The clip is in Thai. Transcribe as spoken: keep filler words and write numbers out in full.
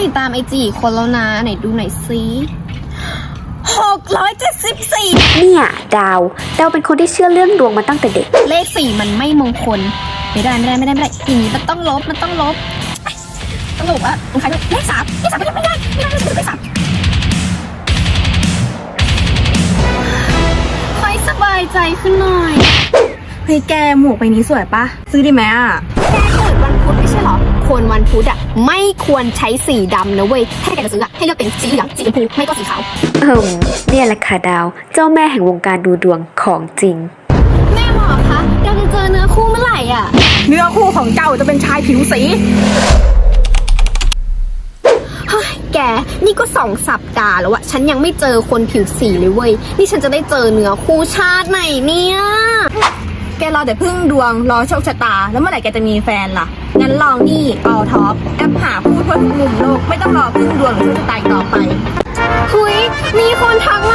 ติดตามไอจีคนแล้วนะไหนดูหน่อยซิหกร้อยเจ็ดสิบสี่เนี่ยดาวดาวเป็นคนที่เชื่อเรื่องดวงมาตั้งแต่เด็กเลขสี่มันไม่มงคลไม่ได้ไม่ได้ไม่ได้ไม่ได้อย่างนี้มันต้องลบมันต้องลบตลกอะมันใครด้วยเลขสามเลขสามไม่ได้ไม่ได้ไม่ได้เลขสามค่อยสบายใจขึ้นหน่อยเฮ้ยแกหมวกใบนี้สวยปะซื้อดีไหมอ่ะแกเกิดวันพุธไม่ใช่หรอคนวันพุธอะไม่ควรใช้สีดำนะเว้ยถ้าแกจะซื้ออะให้เลือกเป็นสีเหลืองสีชมพูไม่ก็สีขาวเออเนี่ยแหละค่ะดาวเจ้าแม่แห่งวงการดูดวงของจริงแม่หมอคะดาวจะเจอเนื้อคู่เมื่อไหร่อะเนื้อคู่ของเจ้าจะเป็นชายผิวสีเฮ้ยแกนี่ก็สองสัปดาห์แล้วอะฉันยังไม่เจอคนผิวสีเลยเว้ยนี่ฉันจะได้เจอเนื้อคู่ชาติไหนเนี่ยแกรอแต่พึ่งดวงรอโชคชะตาแล้วเมื่อไหร่แกจะมีแฟนล่ะงั้นลองนี่เอาท็อปแอปหาคู่ทั่วทุกมุมโลกไม่ต้องรอพึ่งดวงหรือโชคชะตาอีกต่อไปเฮ้ยมีคนทักมา